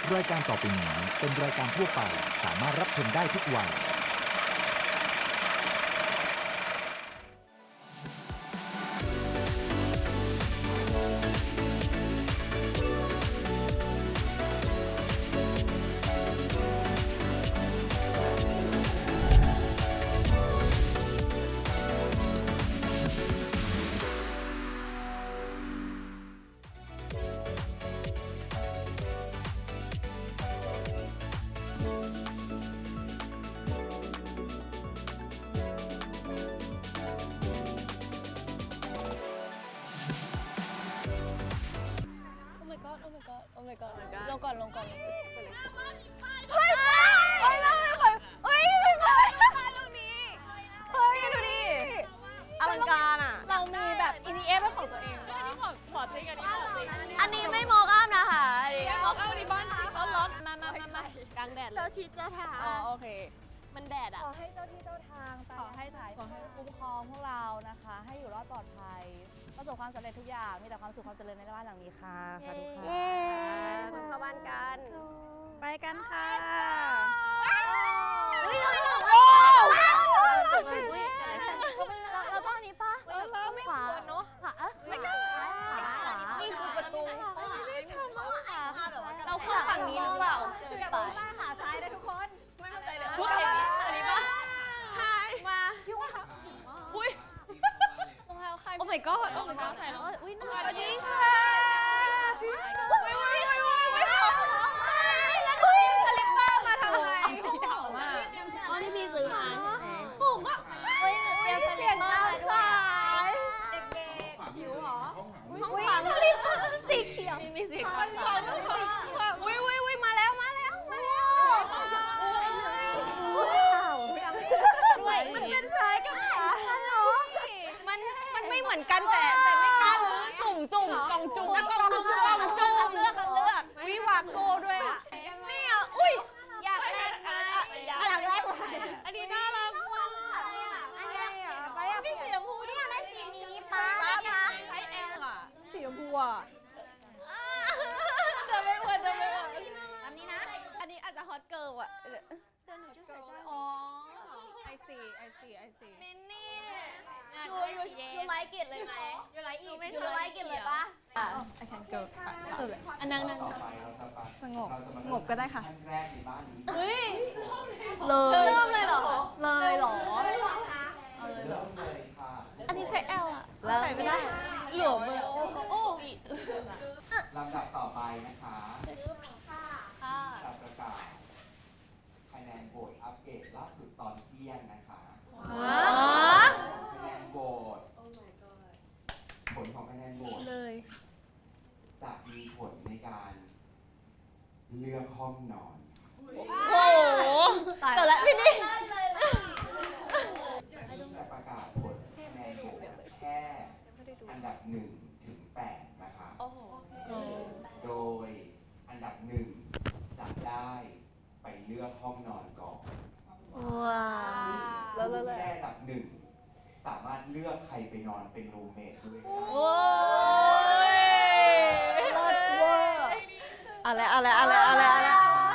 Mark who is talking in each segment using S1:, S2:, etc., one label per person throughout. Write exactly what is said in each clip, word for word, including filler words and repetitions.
S1: รายการต่อไปนี้เป็นรายการทั่วไปสามารถรับชมได้ทุกวัย
S2: โอ้ my god ลงก่อนลงก่อนเฮ้ย
S3: เฮ้ย
S2: เฮ้ยเฮ้ยเฮ้ยเฮ้ยเฮ้ยตรงนี้เฮ้ยดูดิอลังการอ่ะเรามีแบบ อี ดี เอฟ เป็นของตัวเองอันนี้ขอขอจริงอันนี้ขอจริงอันนี้ไม่มอกอัพนะคะอันนี้มอกอัพอันนี้บ้านเขาล็อกมามามามากลางแดดเลย
S3: เจ้าชีเจ้าทาง
S2: อ๋อโอเคมันแดดอ่ะ
S3: ขอให้เจ้าที่เจ้าทาง
S2: ขอให้ถ่ายขอให้คุ้มครองพวกเรานะคะ ให้อยู่รอดปลอดภัยประสบความสำเร็จทุกอย่างมีแต่ความสุขความเจริญในบ้านหลังนี้ค่ะสาธุค่ะ
S3: มาเข้าบ้านกัน
S2: ไปกันค่ะ
S3: เฮ้ยเรา
S2: โอ้
S3: เราต้องอันนี้ป่ะขวาเนาะขวาเอ๊ะไม่ได้นี่คือประตูไม่ชอบมากอ่ะเราเข้าฝั่งนี้หรือเปล่าเจอป่ะหาซ้ายได้ทุกคนไม่เข้าใจเลย
S2: พูดเองอันนี้ป่ะใช่มาอุ้ยรองเท้าใครโอ้ my god โอ้ my god ใส่แล้วอุ้ยสวัสดีค่ะอุ้ยอุ้ยอุ้ยอุ้ยอุ้ยแล้วดูสลิปเปอร์มาทำไมสีเทามากอ๋อที่พี่ซื้อมาผมอ่ะเฮ้ยเตรียมสลิปเปอร์มาด้วยเด็กๆหิวเหรอห้องขวาสลิปเปอร์สีเขียวมีสีขาวอุ้ยอุ้ยอุ้ยมาแล้วมาแล้วมาแล้วด้วยมันเป็นซ้ายกับขวาเหรอมันมันไม่เหมือนกันแต่แต่ไม่กล้าลื้อสุ่มจุ่มกล่องจุ่มกล่องจุ่มกล่องจุ่มเลือกกันเลือกวิวาโก้ด้วยอ่ะนี่อ่ะอุ้ยอยากแลกมาอยากแลกมาอันนี้น่ารักมากอะไรอ่ะไปอ่ะพี่สีชมพูเนี่ยได้สีนี้ป้าป้าป้าใช้แอลอ่ะสีชมพูอ่ะจะไม่เหมือนจะไม่เหมือนอันนี้นะอันนี้อาจจะฮอตเกิร์ลอ่ะเดี๋ยวหนูจะใส่จ้าอ๋อไอซีไอซีไอซีมินนี่เนี่ยยูยูยูไลค์กิจเลยไหมยูไลค์อีกยูไลค์กิจเลยปะอ่ะ I can go สุดเลยอันนั่งนั่งสงบสงบก็ได้ค่ะเฮ้ยเลยเริ่มเลยเหรอเลยเหรออันนี้ใช้ L อ่ะใส่ไม่ได้หลวมเลยโอ้
S4: ลำดับต่อไปนะคะ
S2: ค่ะ
S4: จะประกาศคะแนนโหวตอัปเกรดล่าสุดตอนเที่ยงนะคะคะแนนโหวตผลของคะแนนโหวต
S2: เลย
S4: จะมีผลในการเลือกห้องนอน
S2: โอ้โหแต่ละพี่นี่
S4: ที่จะประกาศผลคะแนนโหวตแค่อันดับหนึ่งถึงแปดนะคะ โดยอันดับหนึ่งจะได้ไปเลือกห้องนอนก่อน
S2: ว้า
S4: ผู้ที่ได้อันดับหนึ่งสามารถเลือกใครไปนอนเป็นรูมเมทด้วยก็ได้
S2: โอ้ยเลิศเวอร์อะไรอะไรอะไรอะไรอะไร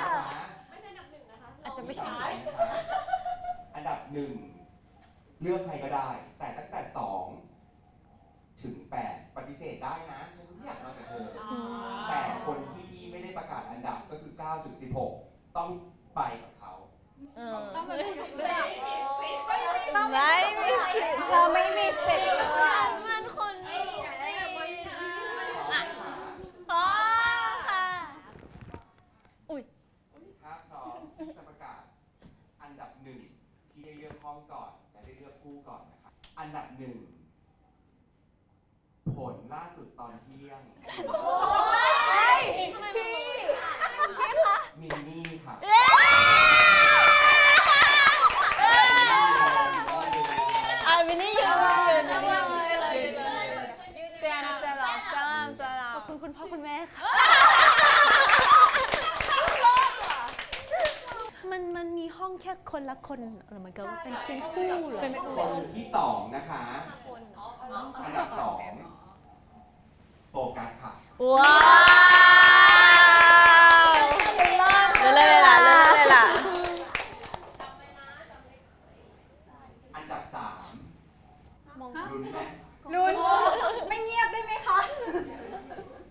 S2: อาจจะไม่ใช่
S4: อันดับหนึ่งเลือกใครก็ได้ แต่ตั้งแต่สองถึงแปดปฏิเสธได้นะฉันไม่อยากนอนกับเธอแต่คนที่พี่ไม่ได้ประกาศอันดับก็คือเก้าถึงสิบหกต้องไปกับเขา
S2: ต้องไม่มีสิทธิ์ไม่มีสิทธิ์เราไม่มีสิทธิ์มันคนนี้พร้อมค่ะอุ้ย
S4: ถ้าพร้อมจะประกาศอันดับหนึ่งที่ได้เลือกห้องก่อนและได้เลือกคู่ก่อนนะครับอันดับหนึ่งผลล่าสุดตอนเที่ยงมินนี่ค่ะ
S2: อ่ะมินนี่ยืนยืนยืนเซียนะเซียนะสลามสลามขอบคุณคุณพ่อคุณแม่ค่ะมันมันมีห้องแค่คนละคนหรือมันก็เป็นเป็นคู่เหรอ
S4: คนที่สองนะคะอันดับสองโฟกัสค่ะ
S2: ว้าว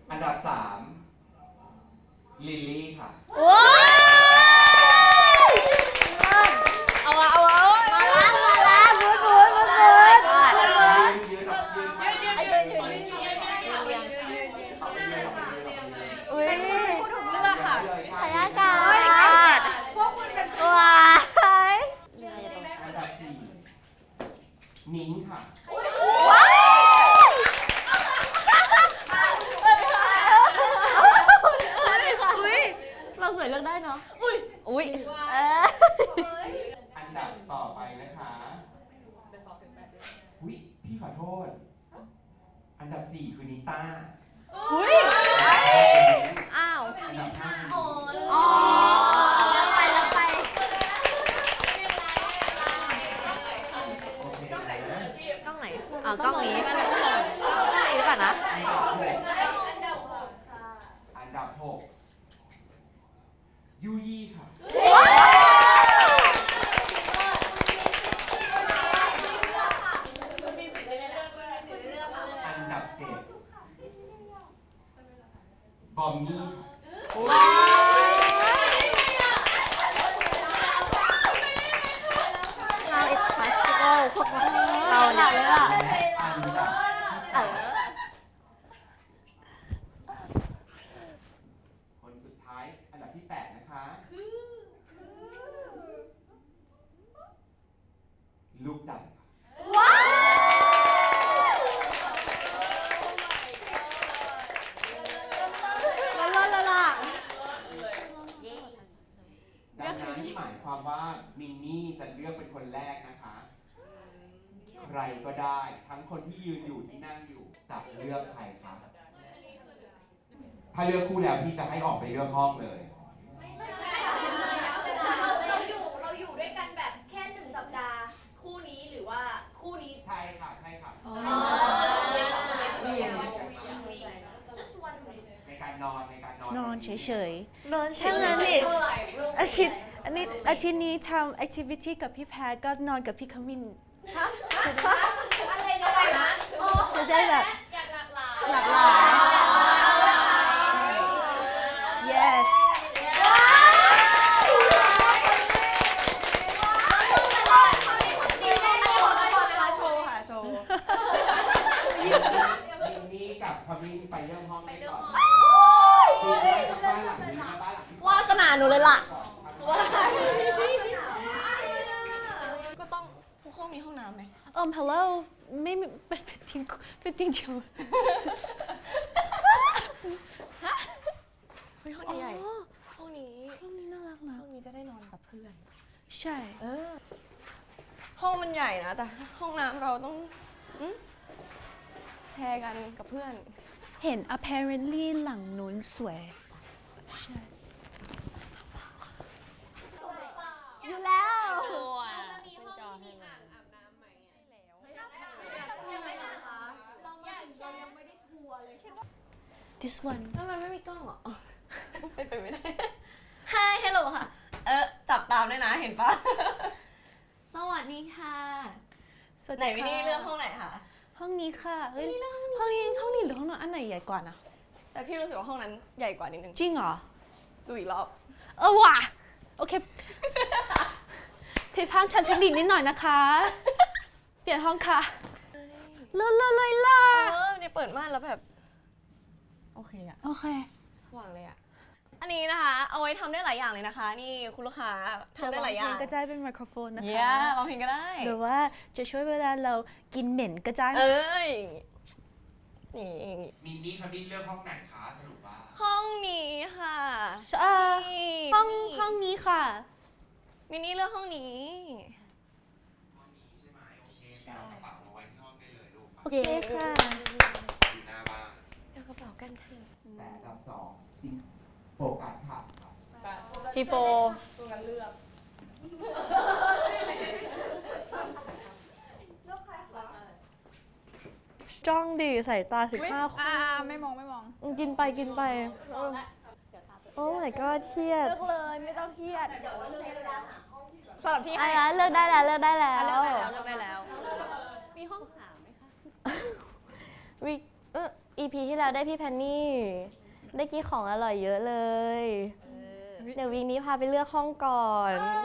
S4: อันดับสามลิลลี่ค่ะ
S2: ว้าวเอาอะเอาอะเอาอะ
S3: มาแล้วมาแล้วบูดบูดบูดบูด
S4: ยืนยืนออกยืน
S2: ไอ้เดินยืนยืนยืน
S3: อุ้ย
S2: พูดถูกเลือกค่ะ
S3: ขยากาศ
S2: พวกคุณเป็น
S3: ว้าย
S4: อันดับสี่นิ้งค่ะ
S3: ว้ายเราสวยเลือกได้เนาะ
S2: อุ้ยอุ้ย
S3: เออ
S4: อันดับต่อไปนะคะอุ้ยพี่ขอโทษ อันดับสี่คือนิต้า
S3: อุ้ยอ้าว
S4: อันดับห้า
S3: อ๋อแล้วไปแล้วไป
S4: โอเคนะ
S3: กล้องไหนอ๋อกล้องนี้กล้องนี้หรือเปล่านะ
S4: อันดับหกยูยี่ค่ะ อันดับเจ็ดบอมมี่
S3: เราอิสคาสโก้พวกเราหลับเลยล่ะ
S4: อันดับ
S3: เออ
S4: คนสุดท้าย อันดับที่แปดนะคะ ลูกจันทร์ค่ะดังนั้นหมายความว่ามินนี่จะเลือกเป็นคนแรกนะคะ ใครก็ได้ ทั้งคนที่ยืนอยู่ที่นั่งอยู่จะเลือกใครคะถ้าเลือกคู่แล้วพี่จะให้ออกไปเลือกห้องเลย
S5: เราอยู่เราอยู่ด้วยกันแบบแค่หนึ่งสัปดาห์ คู่นี้หรือว่าคู่นี้
S4: ใช่ค่ะ ใช่ค่ะ
S5: just one week
S4: ในการนอนในการนอน
S6: นอนเฉย
S3: นอน
S6: ๆ
S3: เฉ
S6: แค่นั้น
S3: ย
S6: นี่
S5: เท่าไหร่รูป
S6: อาทิตย์อันนี้อาทิตย์นี้ทำแอคทิวิตี้กับพี่แพทก็นอนกับพี่ขมิน
S5: อะไรนะอะไรนะ
S6: จะได้แบบ
S5: อยากหลากหลาย
S6: หลากหลาย yes
S3: โชว์ค่ะโชว์
S4: มินนี่กับพมินไปเริ่มห้องได้ก่อนคือได้ทั้งบ้านหลังนี้ทั้งบ้านหลังที่สอง
S3: วาสนาหนูเลยล่ะ
S2: ก็ต้องทุกห้องมีห้องน้ำไหม
S6: เอิม hello ไม่มีเป็นเป็นทิ้งเป็นทิ้งเดียว
S2: เฮ้ยห้องนี้ใหญ่
S6: อ๋อ
S2: ห้องนี้
S6: ห้องนี้น่ารักนะ
S2: ห้องนี้จะได้นอนกับเพื่อน
S6: ใช่
S2: เออ ห้องมันใหญ่นะ แต่ห้องน้ำเราต้องอืมแชร์กันกับเพื่อน
S6: เห็น apparently หลังนู้นสวยใช่
S3: อยู่แล้ว
S5: จะมีห้องที่มีอ่างอาบน้ำไหมแล้วยังไม่นะคะเรายังไม่ได้ทัวร์เลย
S6: this one
S2: ทำไมไม่มีกล้องอ่ะอ๋อเป็นไปไม่ได้ Hi Hello ค่ะ เออจับตามด้วยนะ เห็นปะ สวัสดีค่ะ
S6: สวัส
S2: ไหน
S6: ดี
S2: วิ
S6: ค่ะ
S2: นี่เลือกห้องไหนคะ
S6: ห้องนี้ค่ะเฮ้ยห้องนี้ห้องนี้หรือห้องนอนอันไหนใหญ่กว่านะ
S2: แต่พี่รู้สึกว่าห้องนั้นใหญ่กว่านิดนึง
S6: จริงเหรอ
S2: ดูอีกรอบ
S6: เออว่ะโอเคผิดพลาดทางเทคนิคนิดหน่อยนะคะ เปลี่ยนห้องค่ะเลิศเลยเลยล่ะ
S2: เออเนี่ยเปิดม่านแล้วแบบ โอเคอะ
S6: โอเค
S2: หวังเลยอะอันนี้นะคะ เอาไว้ทำได้หลายอย่างเลยนะคะ นี่คุณลูกค้าทำได้หลายอย่าง
S6: ก็จะเป็นไมโครโฟนนะ
S2: เย้
S6: คะ
S2: ร้องเพลงก็ได้
S6: หรือว่าจะช่วยเวลาเรากินเหม็นก็ได้
S2: เอ
S6: นะ
S2: ้ยนี่
S4: มินนี่พมินเลือกห้องไหนคะสรุปว่า
S2: ห้องนี้ค่ะ
S6: เอ่อ
S2: นี่
S6: ห้อง
S2: นี่
S6: ห้องนี้ค่ะ
S2: มินนี่เลือกห้องนี้
S4: ห้องนี้ใช่ไหมโอเคไปเอากระเป๋ามาไว้ที่ห้องได้เลยลูก
S6: โอเคค่ะ
S4: อยู่หน้าบ้าน
S2: เดี๋ยวกระเป๋ากันเถอะ
S4: แต่อันดับสองจริงโฟกัสค่ะครับ
S2: ชีโฟ
S6: จ้องดิใส่ตาสิบห้าคน
S2: อ่าไม่มองไม่มอง
S6: กินไปกินไปโอ้ my god เครียด
S3: เลือกเลยไม่ต้องเครียด
S2: สำหรับที่
S3: อ่ะ
S2: ให้
S3: เลือกได้แล้วเลือกได้แล้ว
S2: อ่ะเลือกได้แล้วเลือกได้แล้ว มีห้องสามไหมคะ
S6: วิเออ
S3: อี พี ที่แล้วได้พี่แพนนี่ ได้กินของอร่อยเยอะเลย เดี๋ยววีคนี้พาไปเลือกห้องก่อน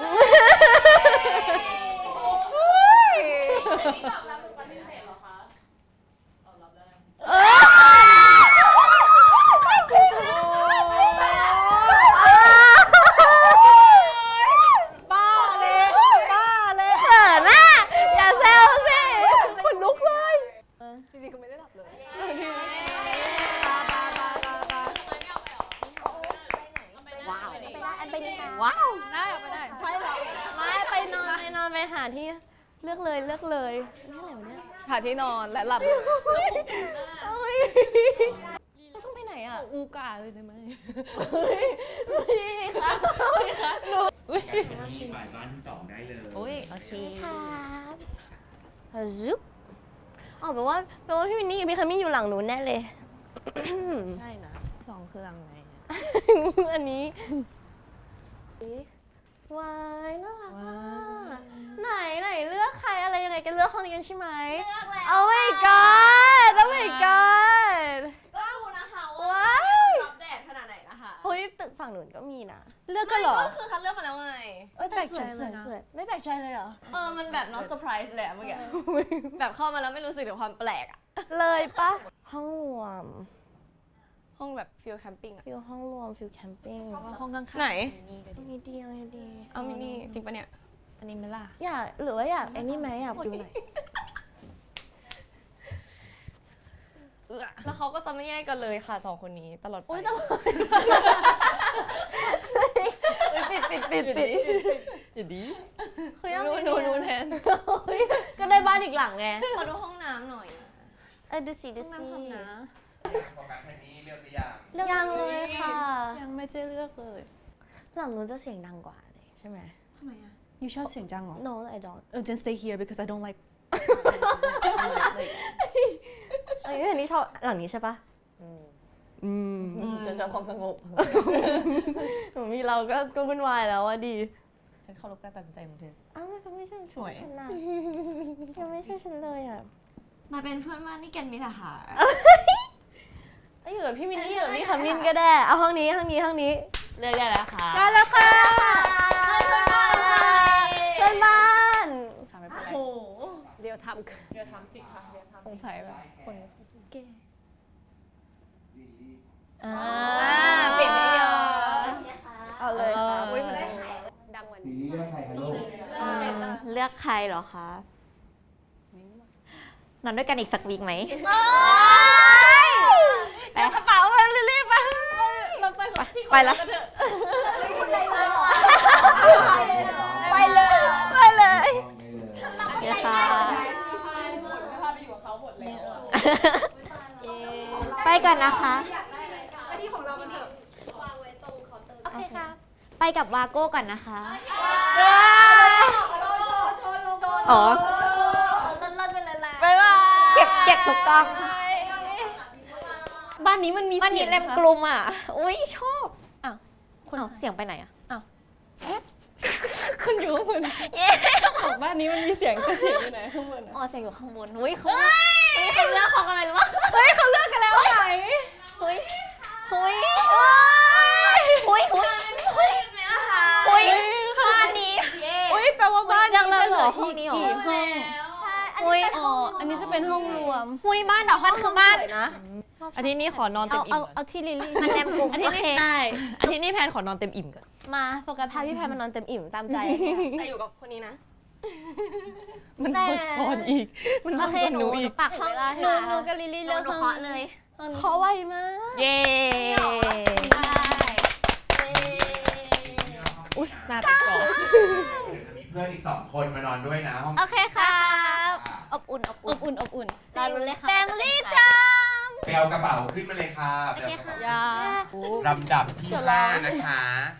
S6: บ้าเลยบ้าเลย
S3: เขินน่ะอย่าแซวสิขนลุกเลย
S6: จริงๆคือไม่ได้หลับเลย
S3: ว้าวไปได้อันไปนี่ค่ะ
S6: ว้าวได้เอาไปได้
S3: ใช่เหรอไม่ไปนอนไปนอนไปหาที่เลือกเลยเลือกเลยนี่อะไรวะเนี่ย
S6: หาที่นอนและหลับเลย
S3: เราต้องไปไหนอ่ะ
S6: อูกาเลยได้ไหม
S3: พี่คะพี่คะหนู
S4: กันที่ฝ่ายบ้านที่สองได้เลย
S6: อุ้ยโอเค
S3: ครับฮะซุปอ๋อแปลว่าแปลว่าพี่มินนี่กับพี่คามี่อยู่หลังหนูแน่เลย
S6: ใช่นะสองคือหลังไหน
S3: อันนี้วายน่ารักมากไหนไหนเลือกใครอะไรยังไงกันเลือกห้องนี้กันใช่ไหม
S5: เลือกแล้ว
S3: โอ้ my god โอ้ my god
S5: ก็รู้นะคะว่า
S3: ว้าย
S5: รับแดดขนาดไหนนะคะ
S3: เฮ้ยตึกฝั่งหนูก็มีนะเลือกกันเหรอ
S5: ก็คือคัดเลือกมาแล้วไง
S3: เอ้ยแต่สวยสวยสวยไม่แปลกใจเลยเหรอ
S5: เออ มันแบบ not surprise เลยอะเมื่อกี้ แบบเข้ามาแล้วไม่รู้สึกถึงความแปลกอะ
S3: เลยปะห้องรวม
S5: ห้องแบบฟิลแคมปิ้งอะ
S3: ฟิลห้องรวมฟิลแคมปิ้ง
S6: ห้องข้างๆ
S5: ไหน
S3: มีดีอะไรดี
S5: เอามินี่จริงปะเนี่ย
S6: อันนี้ไหมล่ะ
S3: อยากหรือว่าอยากไอ้นี่ไหมอยากดูไหน
S5: แล้วเขาก็จะไม่แยกกันเลยค่ะสองคนนี้ตลอดไป
S3: โอ๊ยแต่ว่าปิดปิดปิดปิด
S6: อย่าดี
S3: คือยัง
S5: นู
S3: ไง
S5: นู
S3: เนี่ย
S5: นูแทน
S3: เฮ้ยก็ได้บ้านอีกหลังไง
S5: ขอดูห้องน้ำหน่อย
S3: เออดูสิดูสิ
S4: โฟกัสแค่นี้เลือกหรือยัง
S3: ยังเลยค่ะ
S6: ยังไม่ได้เลือกเลย
S3: หลังนู้นจะเสียงดังกว่าเลยใช่ไหม
S5: ทำไมอะ
S6: ยูชอบเสียงจังเหรอ
S3: No I don't
S6: Oh just stay here because I don't like
S3: เอ้ยอันนี้ชอบหลังนี้ใช่ปะ
S6: อืม
S5: ฉันชอบความสงบ
S3: มีเราก็ก็วุ่นวายแล้วอะดี
S6: ฉันเคารพการตัดสินใจของเธอ
S3: อ้าวมันไม่ใช่
S6: สวย
S3: ฉันนะยังไม่ใช่ฉันเลยอ่ะ
S5: มาเป็นเพื่อนบ้านนี่แกนมิถาหา
S3: เอ้ยอยู่กับพี่มินนี่อยู่กับพี่คามินก็ได้เอาห้องนี้ห้องนี้ห้องนี้
S5: เลือกได้แล้วค่ะ
S3: ได้แล้วค่ะเพื่อนบ้าน
S6: ค่ะไม่เป็นไร
S5: โอ้โห
S6: เดี๋ยวทำกันเดี๋ยวทำจริงค่ะเดี๋ยวทำสงสัยแบบคนแก่
S3: อ่า
S5: เปลี่ยนไม่ยอม
S3: เอาเลยค่ะ
S6: อุ้ยมันจะ
S5: ดังกว่า
S4: ลิ
S5: นี้
S4: ลลี่เลือกใครคะลูก
S3: เลือกใครเหรอคะนอนด้วยกันอีกสักวีคไหม
S5: ไปกระเป๋ามารีบๆไปเราไปก่อน
S3: ไปละ
S4: ไปเลย
S3: ไปเลย
S4: ไปเลย
S3: โอเคค่ะไปก่อนนะคะ โอเคค่ะ ไปกับวาโก้ก่อนนะคะ อ๋อ
S5: บ๊ายบาย
S3: เก็บเก็บถูกต้อง
S5: บ้านนี้มันมี
S3: มัน
S5: เสี
S3: มี
S5: ยง
S3: เล็มกลุ่มอ่ะ อุ้ยชอบ
S5: อ้าวคน
S3: อ้าวเสียงไปไหนอ่ะ
S6: คนอยู่ข้างบนของบ้านนี้มันมีเสียงแต่เสียงอยู่ไหนข้างบนอะ
S3: อ๋อเสียงอยู่ข้างบนอุ้ยเขาเฮ้ยเขาเลือกของอะไรหรือวะ
S5: เฮ้ยเขาเลิกกันแล้วไหน
S3: เฮ้ยเฮ้ยเฮ้ยเฮ้ยเฮ้ยเฮ้ยบ้านนี้
S5: อุ้ยแปลว่าบ้าน
S3: ยังเลยเหรอ
S5: ห้องนี้เหรอ
S3: กี่ห้อง
S5: เฮ้ยอ๋ออันนี้จะเป็นห้องรวม
S3: หุ้ยบ้านดอกพันคือบ้านนะ
S6: อาทิตย์นี้ขอนอนเต็
S5: เอา
S6: มอิ่
S5: เอา
S6: ม
S5: เอาที่ลิลลี่
S3: มันแรมกลุ่ม
S5: อาทิตย์นี้
S3: โอเคได้
S6: อาทิตย์นี้แพนขอนอนเต็มอิ่มก่อน
S3: มาโฟกัสพาพี่แพรมานอนเต็มอิ่มตามใจ
S5: แต่อยู่กับคนนี้นะ
S6: มัน
S3: แต่
S6: ก่อนอีก มัน
S3: โอ
S6: ก่อน
S3: เคห
S6: ห
S3: นู
S6: นูอีก
S3: ปักห้อง
S5: หนูหนูกับลิลลี่
S3: หนู
S5: เลือก
S3: หนู
S5: ห้อง
S3: เคาะเลยเคาะไวมาก
S6: เย้
S4: อุ้ย
S6: หน้าติดต่อ
S4: เดี๋ยวจะมีเพื่อนอีกสองคนมานอนด้วยนะห้อง
S5: โอเคครับ
S3: อบอุ่นอบ
S5: อ
S3: อุ่น
S5: บอุ่นอบอุ่น
S3: รอรุ้นเลยค่ะ
S5: Family time
S4: ไปเอากระเป๋าขึ้นมาเลยค่ะไปเอากระเป๋า
S5: อย่า
S4: ลำดับที่ห้านะคะ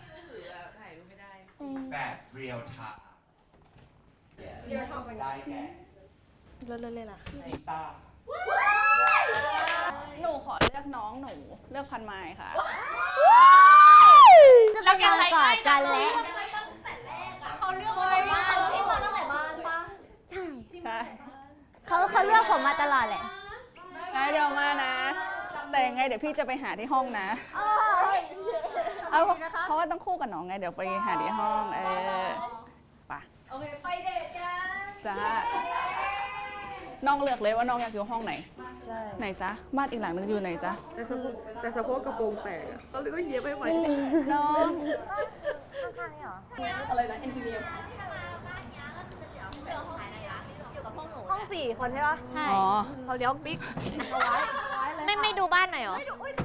S4: แบบเรียลไทม์เรียลไทม์ได้แก่
S5: เลิศเลยล่ะ
S4: กีตาร์
S7: หนูขอเลือกน้องหนูเลือกพันไม้ค่ะ
S3: จะไปนอนกอดกันแล้ว
S5: เขาเลือกอะไรมาที่มาตั้งแต่บ้านปะ
S3: ใช่
S7: ใช่
S3: เขาเขาเลือกผมมาตลอดแหละ
S7: แล้วเดี๋ยวมานะ
S3: ค
S7: แต่ยังไงเดี๋ยวพี่จะไปหาที่ห้องนะเอาเพราะว่าต้องคู่กับน้องไงเดี๋ยวไปหาที่ห้องเออไป
S5: โอเคไปเดทกัน
S7: จ้าน้องเลือกเลยว่าน้องอยากอยู่ห้องไหนไหนจ๊ะบ้านอีกหลังนึงอยู่ไหนจ๊ะ
S6: แต่สะโพกแต่สะโพกกระโปรงแตกอะก็เลยก็เย็บไม่ไหว
S7: น้อง
S5: อะไรนะเอนจิเนียร์
S3: ห้องสี่คนใช่ปะใช่
S7: อ๋อ
S6: เขาเลี้ยวปิ๊ก
S3: ไม่ไม่ดูบ้านหน่อยเหรอ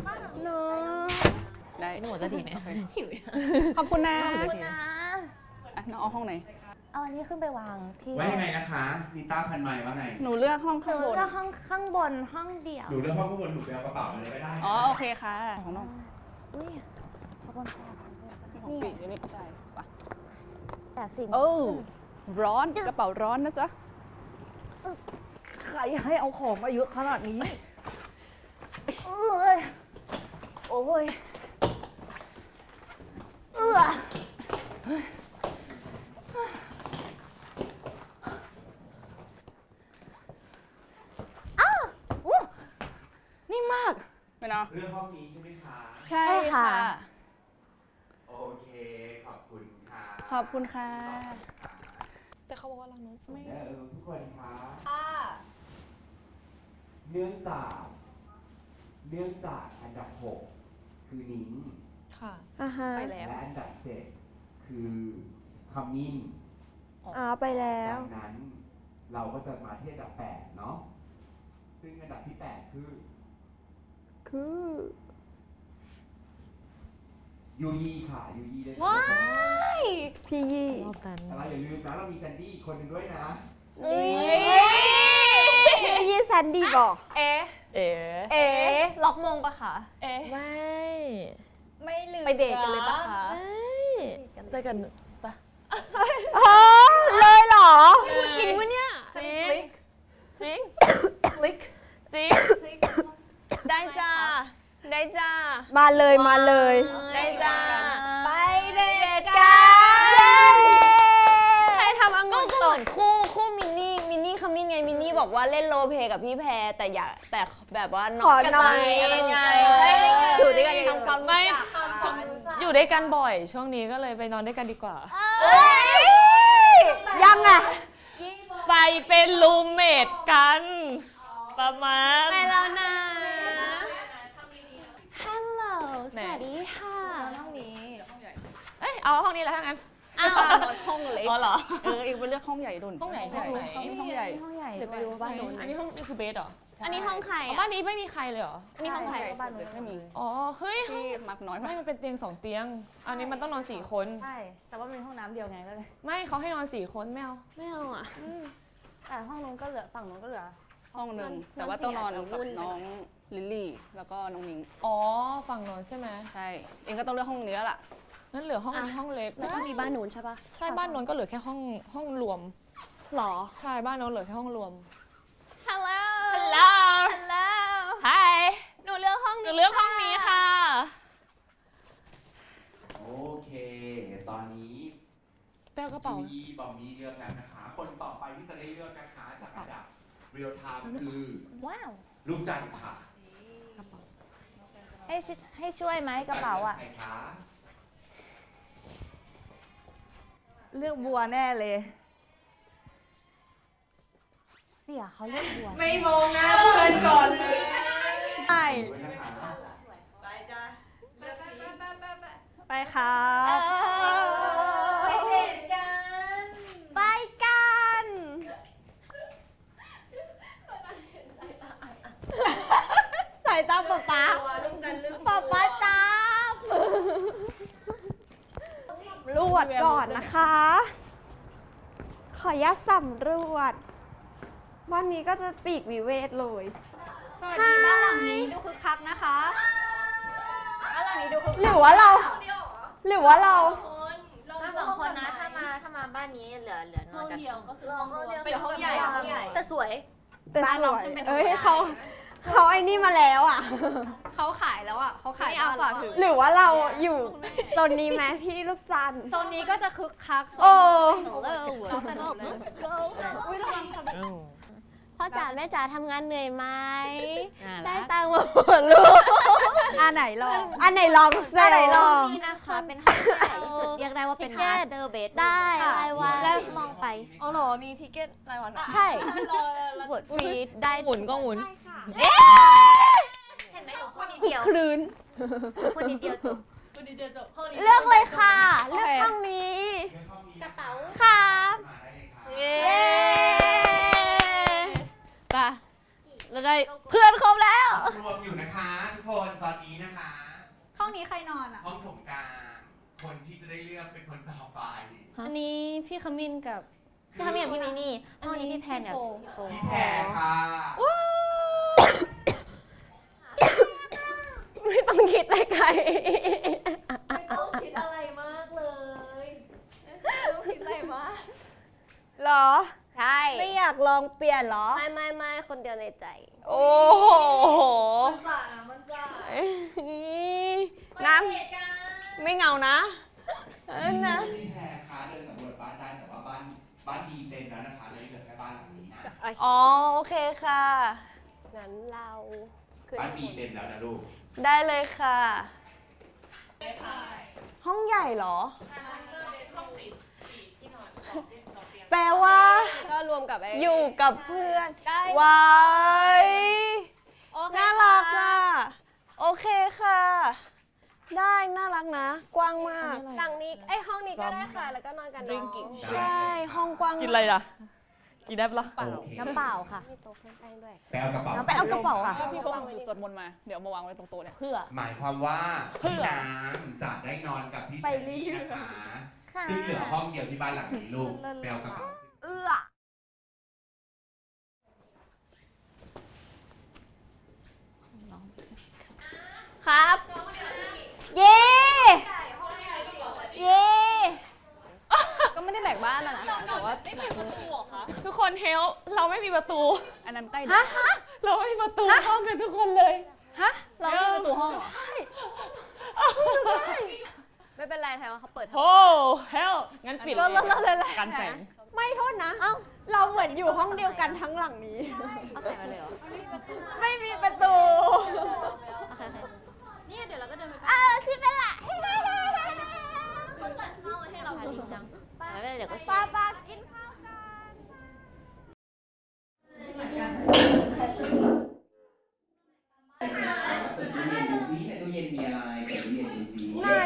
S7: ได้
S2: หนูจะดีไหม
S7: ขอบคุณนะ
S3: นะ
S7: อ่ะน้องเอาห้องไหน
S3: เอาอันนี้ขึ้นไปวางที่
S4: ว่ายังไงนะคะนิต้าพันไม้ว่าไง
S7: หนูเลือกห้อง
S3: คื
S7: ข้าง
S3: อบ
S7: น
S3: ก็ห้องข้างบนห้องเดี่ยว
S4: หนูเลือกห้องข้างบนหนูไปเอากระเป๋ามาเลยก็ได้
S7: อ๋อโอเคค่ะของน้อง
S3: อุ้ยขอบคุณค่ะ
S7: ของปีอยู่นี่ใช่ปะ
S3: แต่สิ่ง
S7: โอ้ร้อนกระเป๋าร้อนนะจ๊ะ
S6: ใครให้เอาของมาเยอะขนาดนี้
S3: เอ้ยโอ้ยเอื้อ
S7: นี่มากไม่เนาะ
S4: เลือกห้องนี้ใช่ไหมคะ
S7: ใช่ค่ะ
S4: โอเคขอบคุณค่ะ
S7: ขอบคุณค่ะ
S2: แต่เขาบอกว่าเราโน้นสูง
S4: เออทุกคนคะ
S5: ค่ะ
S4: เนื่องจากเนื่องจากอันดับหกคือนิ้ง
S2: ค่ะ
S6: อ่าฮะ
S2: ไปแล้ว
S4: และอันดับเจ็ดคือขมิ้น
S6: อ่าไปแล้ว
S4: ดังนั้นเราก็จะมาที่อันดับแปดเนาะซึ่งอันดับที่แปดคือ
S6: คือ
S4: ยูยีค่ะยูยีได้
S3: ว้าย
S6: พี่ยี่
S4: แต่เราอย่าลืมนะเรามีแซนดี้อีกคนหนึ่งด้วยนะ
S3: เอ้ย
S6: พี่ยี่แซนดี้บอก
S2: เอ๊ะ
S6: เอ๋
S2: เอ๊ะล็อกมงปะคะเอ๊ะ
S6: ไม่
S5: ไม่ลืม
S2: ไปเดทกันเลยปะคะ
S6: เจอกันปะอ๋อเลยเหรอ
S2: พูดจริงวะเนี่ยจริงจริงคลิกจริงได้จ้าได้จ้า
S6: มาเลยมาเลย
S2: ได้จ้า
S5: ไปเดท
S2: กั
S5: กัน
S2: ใครทำองุ่นตกคู่คู่มินนี่มินนี่ขมิ้นไงมินนี่บอกว่าเล่นโรลเพลย์กับพี่แพรแต่อยากแต่แบบว่าน้
S6: ข
S2: อง
S6: อ
S2: กัน
S6: หน่อย
S2: อะไรไง
S6: อยู่ด้วยกัน
S2: ทำความไม่
S8: อยู่ด้วยกันบ่อย ช่วงนี้ก็เลยไปนอนด้วยกันดีกว่า
S6: ยังไง
S8: ไปเป็นรูมเมทกัน ประมาณ
S2: ไปแล้วนะ
S3: ฮัลโหลส
S8: ไหน
S3: วัสดีค่ะ
S2: ห้องนี้
S8: เอ้ย เอาห้องนี้แล้วทั้งนั้น
S2: อ้าว
S7: นอนห้องเล็ก
S8: อ๋อเหรอ
S7: เอออีกไปเลือกห้องใหญ่ดุน
S8: ห้องไหนห้องไหน
S7: ห้องใหญ่
S3: ห้องใหญ่
S6: เดี๋ยวไปดูบ้านโน้น
S8: อันนี้ห้องนี่คือเบสเหรอ
S2: อันนี้ห้องใคร
S8: อ๋อ
S2: อ่ะ
S8: บ้านนี้ไม่มีใครเลยเหรอ
S2: อันนี้ห้องใคร
S7: บ้านไม่มี
S8: อ๋อ เฮ้ย
S7: ที่มักน้อย
S8: ไม่
S7: มาก
S8: มันเป็นเตียงสองเตียง อันนี้มันต้องนอนสี่คน
S3: ใช่ แต่ว่ามันเป็นห้องน้ำเดียวไงก็เลย
S8: ไม่เขาให้นอนสี่คนไม่เอา
S2: ไม่เอาอ่ะ
S3: แต่ห้องนู้นก็เหลือฝั่งนู้นก็เหลือ
S7: ห้องหนึ่งแต่ว่าต้องนอนกับน้องลิลลี่แล้วก็น้องนิ้ง
S8: อ๋อ ฝั่งนอนใช่ไหม
S7: ใช่เองก็ต้องเลือกห้องนี้แล้วล่ะ
S8: งั้นเหลือห้องนี้ห้องเล็ก
S2: แล้วก็มีบ้านนู้นใช่ปะ
S8: ใช่บ้านนอนก็เหลือแค่ห้องห้องรวม
S2: หรอ
S8: ใช่บ้านนอนเหลือแค่ห้องรวม
S2: ฮัลโหล
S8: ฮัลโหล
S2: ฮัลโหล
S8: Hi
S2: หนูเลือกห้อง
S8: หนู
S2: นี้
S8: เลือกห้องนี้ค่ะ
S4: โอเค ตอนนี้
S8: แป้วกระเป๋า
S4: ยูยีบอมบี้เลือกแล้วนะคะ คนต่อไปที่จะได้เลือกนะคะจากอันดับเรียลไทม์คือ
S3: ว้าว
S4: ลูกจันทร์ค่ะ
S3: ให้ช่วยให้ช่วยไหมกระเป๋าอ่ะ
S4: ใครคะ
S6: เลือกบัวแน่เลย
S3: เสียเขาเลือกบัว
S5: ไม่มองนะเพื่อนก่อนเลย
S6: ใช่
S4: ด้วยนะคะ
S5: ไปจ้ะเลือกสีไปไปไป
S6: ไปครับ
S5: ไปเดทกัน
S6: ไปกัน สายตาป๊าป๊า
S5: ตัวลุงกันลึก
S6: ป๊าป๊าจับรวจก่อนนะคะ ขออนุญาตสำรวจวันนี้ก็จะปีกวิเวทเลย
S3: สวัสดีบ้านหลังนี้ดูคึกคักนะคะบ้านหลังนี้ดูคึก
S6: หรือว่าเรา หรือว่าเรา
S3: มาสองคนนะ ถ้ามาถ้ามาบ้านนี้เหลือเหลือนอนกัน
S5: เดียวก็คือ
S3: ห้องเดียว
S5: เป็นห้องใหญ่ห้องใหญ่
S3: แต่สวย
S6: แต่สวยเอ้ยเขาเขาไอ้นี่มาแล้วอ่ะ
S3: เขาขายแล้วอ่ะเขาขาย
S2: ไม่เอาฝากถือ
S6: หรือว่าเราอยู่โซนนี้ไหมพี่ลูกจันทร์
S3: โซนนี้ก็จะคึกคัก
S6: โอ้
S3: หนูก็เออหัวสนุกเลยพ่อจ๋าแม่จ๋าทำงานเหนื่อยไหม
S8: น่า
S3: ได้
S8: รัก
S3: ตังค์มาหมดลูก
S6: อันไหนลอง
S3: อันไหนลองเซ
S6: อันไหนลอง
S3: นี่นะคะเป็นห้องที่ใหญ่ที่สุดเรียกได้ว่าเป็นมาสเตอร์เบดได้รายวันแล้วมองไป
S2: อ๋อเหรอ มีทิเก็ตรายวันเหรอ
S3: ใช่บทฟรีได้
S8: หมุนก็หมุน
S3: เห็นไหมหนูพูดนิดเดียว
S6: คลืน
S3: พูดนิดเดียวจบ
S2: ตัวดีเดียวจบห้องนี้
S3: เลือกเลยค่ะ เลือกห้องนี้
S4: เรื่องห้องนี้กระเป๋า
S3: ครับ
S4: มาได้เลยครับ
S8: เย้ไปเราได้เพื่อนครบแล้ว
S4: รวมอยู่นะคะทุกคนตอนนี้นะคะ
S6: ห้องนี้ใครนอนอ่ะ
S4: ห้องโถงกลางคนที่จะได้เลือกเป็นคนต่อไป
S8: อันนี้พี่ขมิ้นกับ
S3: พี่ทำอย่างพี่มินี่ห้องนี้พี่แพนกับพี่โฟ
S4: พี่แพรค่ะ
S3: ไม่ต้องคิดอะไรไกล
S5: ไม่ต้องคิดอะไรมากเลยไม่ต้องคิดอะไรมาก
S6: หรอ
S3: ใช่
S6: ไม่อยากลองเปลี่ยนเหรอ
S3: ไม่ไม่ไม่คนเดียวในใจ
S6: โอ้โห
S5: มันจ่านะมันจ่า
S6: น้
S5: เหตุการณ์
S6: ำไม่เหงานะเออนะ
S4: พี่แพรคะเดินสำรวจบ้านได้แต่ว่าบ้านบ้านดีเต็มแล้วนะคะเลยเหลือแค่บ้านหลังนี้นะ
S6: อ๋อ โอเคค่ะ
S3: งั้นเรา
S4: บ้านบีเต็มแล้วนะลูก
S6: ได้เลยค่ะ ห้องใหญ่เหรอ แปลว่า
S2: ก็รวมกับไอ้
S6: อยู่กับเพื่อน
S2: ได้
S6: ว้าย
S2: โอเค
S6: น่ารักอ่ะ โอเคค่ะ ได้น่ารักนะ กว้างมาก
S3: หลังนี้ไอยห้องนี้ก็ได้ค่ะ แล้วก็นอนกันน้อง
S6: ใช่ ห้องกว้าง
S8: กินอะไรล่ะ กินได้ปะล่ะ
S4: โอเค
S3: น้ำเปล่าค่ะมีโต๊ะเครื่องแป้งด้วย
S4: ไปเอากระเป๋า
S3: ไปเอากระเป๋าค่ะ
S7: พี่เขาทำสูตรสวดมนต์มา เดี๋ยวเอามาวางไว้ตรงโต๊ะเนี่ย
S3: เพื่อ
S4: หมายความว่าพี่น้ำจะได้นอนกับพี่แซนดี้นะคะ
S3: ค่ะ
S4: ซึ่งเหลือห้องเดียวที่บ้านหลังนี้ลูกไปเอากระเป๋า
S3: เอื้อ ครับ เย้ เย้
S7: ก็ไม่ได้แบกบ้านแล้วนะแต่ว่า
S8: ทุกคนเฮลเราไม่มีประตู
S7: อันนั้นใกล้
S3: ฮะ
S8: เราไม่มีประตูห้องกันทุกคนเลย
S6: ฮะ เราไม่มีประตูห้องเหรอ
S3: ไม่เป็นไรไทยว่าเขาเปิด
S8: โอ้เฮลงั้นปิดเลย กันแสง
S6: ไม่โทษนะ เอ้า เราเหมือนอยู่ห้องเดียวกันทั้งหลังนี้
S3: เอาใส่มาเลยเหรอ
S6: ไม่มีประตู
S3: โอเคโอเค
S5: นี่เดี๋ยวเราก็เดินไป
S3: เออซิเป็นละ
S5: เขาจัดข้าวไว้ให้เรา
S3: พาลินจังไม่เป็นไรเดี๋ยวก็
S6: ป้าป้ากินข้าว
S4: เปิดตู้เย็นดูซิในตู้เย็นมีอะไรเปิดตู้เย็นดูซิ
S6: ไหน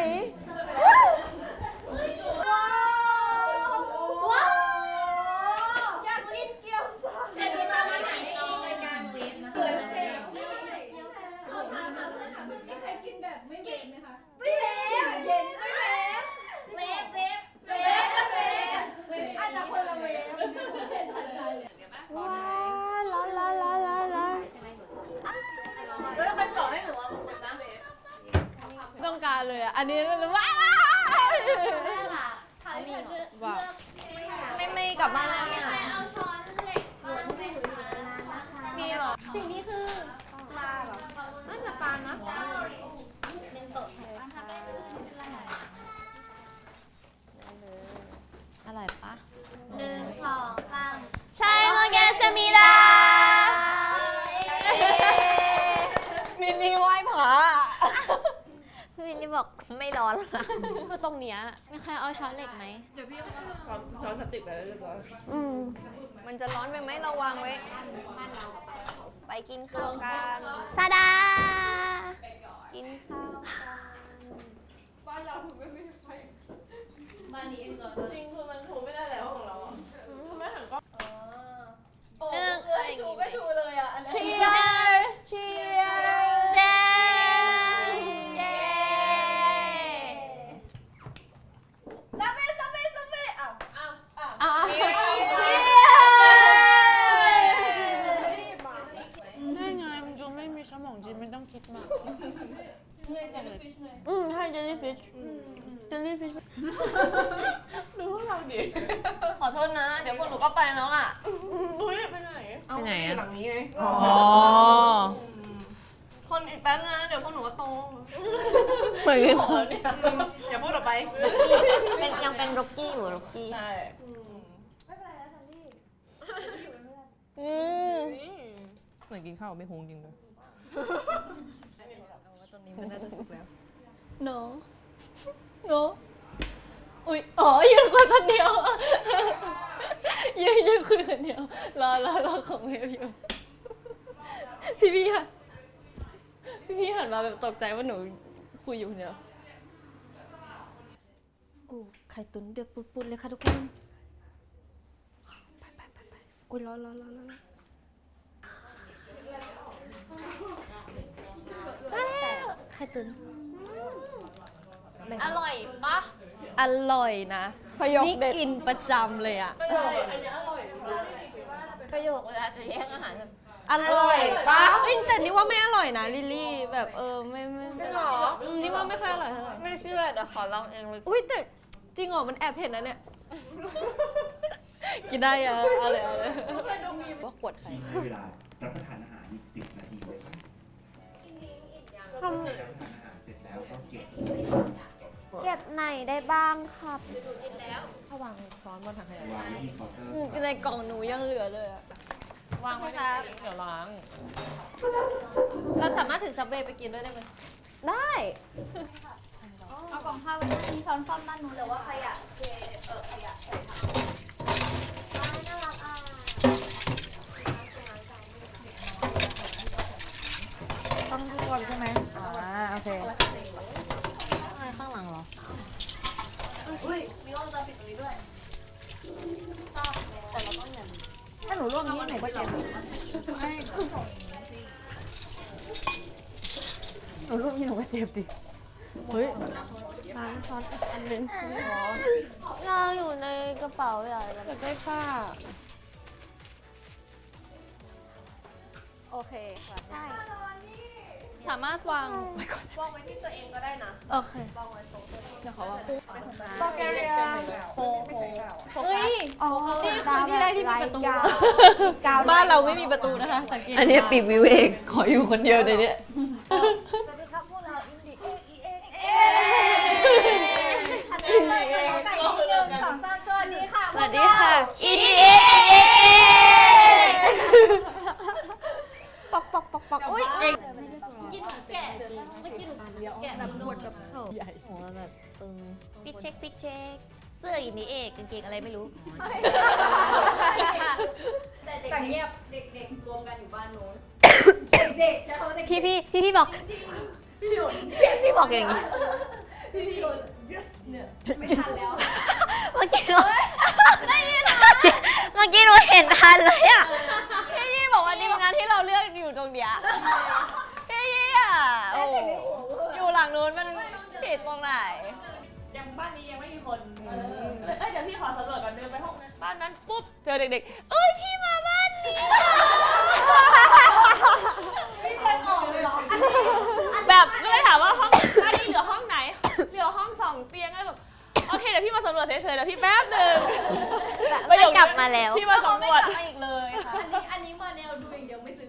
S3: ว้าว
S6: อยากกินเกี๊ยวซ่า
S5: แต่ที่จะมาไหนในรายการเวฟนะเวฟเวฟเขาถามถามเพื่อนถามมีใครกินแบบไม่เวฟไหมคะไม่เวฟเย็นไม่เวฟเวฟเวฟเวฟเวฟเวฟอาจจะคนละเวฟเผ็ดทันใจเลยเดี๋ยวป่ะ
S6: ว้าร้อนร้อนร้อนร้อนร้อน
S5: แล้วใครบอกให้หนูว่าผมเป็นน้ำเวฟ
S8: ต้องการเลยอ่ะ อันนี้ว้าวไม่ไม่กลับบ้านแล้วเนี่ย
S5: เอาช้อนเหล็กม้วนไปหนูอยู่นานนะคะ
S8: มีเหรอ
S3: สิ่งนี้คือปลาเหรอน่าจะปลานะ
S5: เป็นโต๊ะแทน
S3: อร่อยปะหนึ่งสองสาม
S8: ใช่โมเกสมิดา
S6: มินิไหว้ผา
S3: พี่วินนี่บอกไม่ร้อนแล้วนะ
S8: คือตรงเนี้ย
S3: มีใครเอาช้อนเหล็กไหม
S7: ช้อนพลาสติกไปแล้วเรียบร้อย
S3: อืม
S6: มันจะร้อนไปไหมเราวางไว้ ไปกินข้าวกัน
S3: ซาดา
S6: กินข้าวกัน
S5: บ้านนี้เองก่อนจริงคือมันถูไม่ได้แล้วของเราอ่ะคือไม่หันก็เออ
S3: หนึ่ง
S5: ชูก็ชูเลยอ่ะอันนี้
S6: Cheers Cheers
S3: เย้
S6: เย้
S5: ซับเบ้ซับเบ้ซับเบ้อ้าวอ้าวอ้าว
S6: อ่ะ
S5: Cheers
S6: ได้ไงมันจะไม่มีสมองจริงไม่ต้องคิดมาก
S5: เลยแต่ฟิชเลย
S6: อืมใช่เจลลี่ฟิชเจลลี่ฟิชดูพวกเราดิ ขอโทษนะ เดี๋ยวพวกหนูก็ไปแล้วล่ะนุ้ยไปไหน
S8: ไปไหนอ่ะ
S6: หลังนี้ไง
S8: อ๋อ
S6: คนอีกแป๊บนะ เดี๋ยวพวกหนูก็โต
S8: เหมือนกัน
S6: อย่าพูดออกไป
S3: เป็นยังเป็นร็อกกี้อยู่ร็อกกี้
S6: ใช่
S5: ไม่เป็นไรแล้วซันดี้อยู่เป็นเพื่อน
S2: อืม
S8: เหมือนกินข้าวไม่หุงจริงเลยตอนนี้มันน่าจะสุกแล้ว
S2: โนโนอุ้ยอ๋อยืนคุยคนเดียวยืนยืนคุยคนเดียวรอรอรอของเวฟอยู่พี่พี่ค่ะพี่พี่หันมาแบบตกใจว่าหนูคุยอยู่คนเดียวโอ้ไข่ตุ๋นเดือดปุดๆเลยค่ะทุกคนไปไปไปไปอุ้ยรอรอรอรอรอไข่ตุ๋นอร่อยปะอร่อยนะนี่กินประจำเลยอะ
S3: ประโยคเวลาจะแย่งอาหารแบบ
S2: อร่อยปะเอ้ยแต่นี่ว่าไม่อร่อยนะลิลลี่แบบเออไม่ไม่ไม่หรอนี่ว่าไม่ค่อยอร่อยเท่าไหร่
S3: ไม่เชื่อเดี๋ยวขอลองเองเลย
S2: อุ้ยแต่จริงเหรอมันแอบเผ็ดนะเนี่ยกินได้อะเอาเลยเอาเลยว่าขวดไข่
S4: ให้เวลารับประทานอาหารอีกสิบนาทีเลยครับรับประทานอาหารเสร็จแล้วก็เก็บ
S3: เก็บไหนได้บ้างครับ
S2: ถ้าวางช้อนบนถังขยะ
S4: วางไว้ที่เคาน์เตอร์
S2: อืมในกล่องหนูยังเหลือเลยอะ
S8: วางไว้ในซิงค์เดี๋ยวล้าง
S2: เราสามารถถือซับเวย์ไปกินด้วยได้ไหม
S3: ได้
S5: เอากล่องข้าวไว้ด้านนี้ช้อนซ่อมด้านนู้นแต่ว่าขยะเทเออขยะใส่ถัง
S3: น่ารักอ่ะ
S6: ต้องทุกคนใช่ไหมอ่าโอเคข้างหลังเหรอ
S5: อุ้ยมีกล้องวงจรปิดตรงนี้ด้วย
S6: ถ้าหนูร่วมนี้หนูก็เจ็บหนูร่วมนี้หนูก็เจ็บดิเฮ้ยน้ำช้อนอีกอันนึง
S3: เราอยู่ในกระเป๋าใหญ่แล้ว
S2: อยากได้ผ้า
S3: โอเคค่ะได้
S2: สามารถวาง
S5: วางไว้ที่ตัวเองก็ได้นะ
S2: โอเค
S5: เดี๋ยวขอวาง
S6: บอกแกเรีย
S5: โฟโฟ
S2: เฮ้ย
S6: อ๋อ
S2: นี่คือที่แรกที่มีประตู
S6: กาว
S2: บ้านเราไม่มีประตูนะคะสังเกต
S8: อันนี้ปีกวิเวกขออยู่คนเดียวในนี้
S5: สวัสดีครับพวกเราอินดิเอ็กอีเอ็กเอ็กอันนี้เลยกันแต่งหนึ่งสองสามสวัสดีค่ะ
S2: สวัสดีค่ะ
S3: อีดีเอ็ปอกปอกปอกปอกอุ้ย
S2: กินหนูแกะเมื่อกี้หนูแกะแบบนวดแบบใหญ่หัวแบบตึง
S3: ปิดเช็คปิดเช็คเสื้ออีนี่เอกกางเกงอะไรไม่รู้
S5: แต่เด็กเงียบเด็กๆรวมกันอยู่บ้านโน้นเด็กใช่เขาเด็ก
S3: พี่พี่พี่พี่บอก
S5: พี่หยน
S3: พี่บอกอย่างนี้
S5: พี่พี่หยน yes เนี่ยไม่ทันแล้ว
S3: เมื่อกี้หนูได้ยินเมื่อกี้หนูเห็นทันเลยอ่ะ
S2: พี่ยี่บอกว่าทีมงานที่เราเลือกอยู่ตรงเนี้ยพี่ยี่อ่ะโอ้อยู่หลังนู้นมันผิดตรงไหน
S8: ยังบ้านนี้ยังไม่มีคนเอ้ยเดี๋ยวพี่ขอสำรวจก่อนเดินไปห้องนั้นบ้านนั้นปุ๊บเจอเด็กๆ เอ้ยพี่มาบ้านนี้
S5: ไม่เคยออกเลยเหรอ
S8: แบบก็เลยถามว่าห้องบ้านนี้เหลือห้องไหน เหลือห้องสองเตียงเลยแบบโอเคเดี๋ยวพี่มาสำรวจเฉยๆเดี๋ยวพี่แป๊บหนึ่ง
S3: ไม่กลับมาแล้ว
S8: พี่มาสำรวจ
S2: ไม่อีกเลยค่ะ
S5: อันนี้อันนี้มาแนวดูอย่างเดียวไม่ซื้อ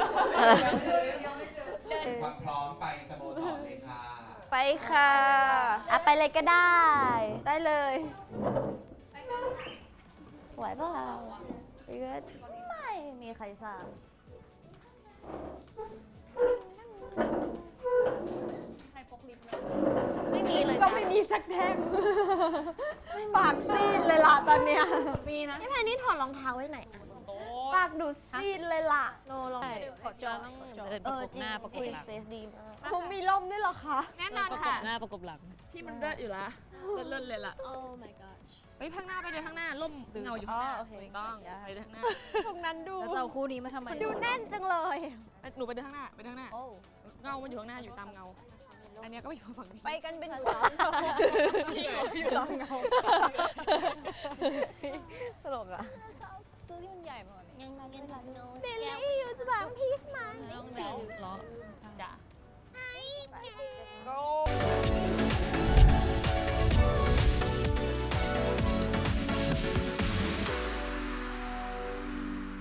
S4: ความพร้อมไปสโมสรเลยค่ะ
S6: ไปค่ะ
S3: อ่ะไปเลยก็ได้
S6: ได้เลย
S3: ไหวเปล่าพี่ก็ไม่มีใครทราบไม่มีเลย
S6: ก็ไม่มีสักแท่งปากซีดเลยล่ะตอนเนี้ย
S2: มีนะ
S3: นี่แพนนี่ถอดรองเท้าไว้ไหน
S6: ปากดูซีดเลยล่ะ
S3: โนลอง
S2: ขอจอต้องเดินป
S3: เอ
S2: ระ
S3: อก
S2: บ
S3: จริง
S2: หน้าประกบหลัง
S3: สเปซดีมาก
S6: ผมมีล่มด้วยเหรอคะ
S2: แน่นอนค่ะ
S8: หน้าประกบหลังที่มันเลิศอยู่ละเลิศๆเลยล่ะ
S2: โอ้ my god
S8: ไปข้างหน้าไปเดินข้างหน้าล่มเงาอยู่ข้างหน้า
S2: อ๋อโอเค
S8: ถูกต้องไปเดินข้างหน้า
S6: ตรงนั้นดู
S2: แล้วจะเอาคู่นี้มาทำไม
S6: ดูแน่นจังเลย
S8: หนูไปเดินข้างหน้าไปเดินข้างหน้า
S2: โอ้
S8: เงามันอยู่ข้างหน้าอยู่ตามเงา อันเนี้ยก็ไปอยู่ฝั่งนี้
S6: ไปกันเป็นหมู่อยู่ตามเงาตลกอ่ะ
S2: ซื้อที่มันใหญ่มาก
S3: ยังยังโน
S6: เดลี่อยู่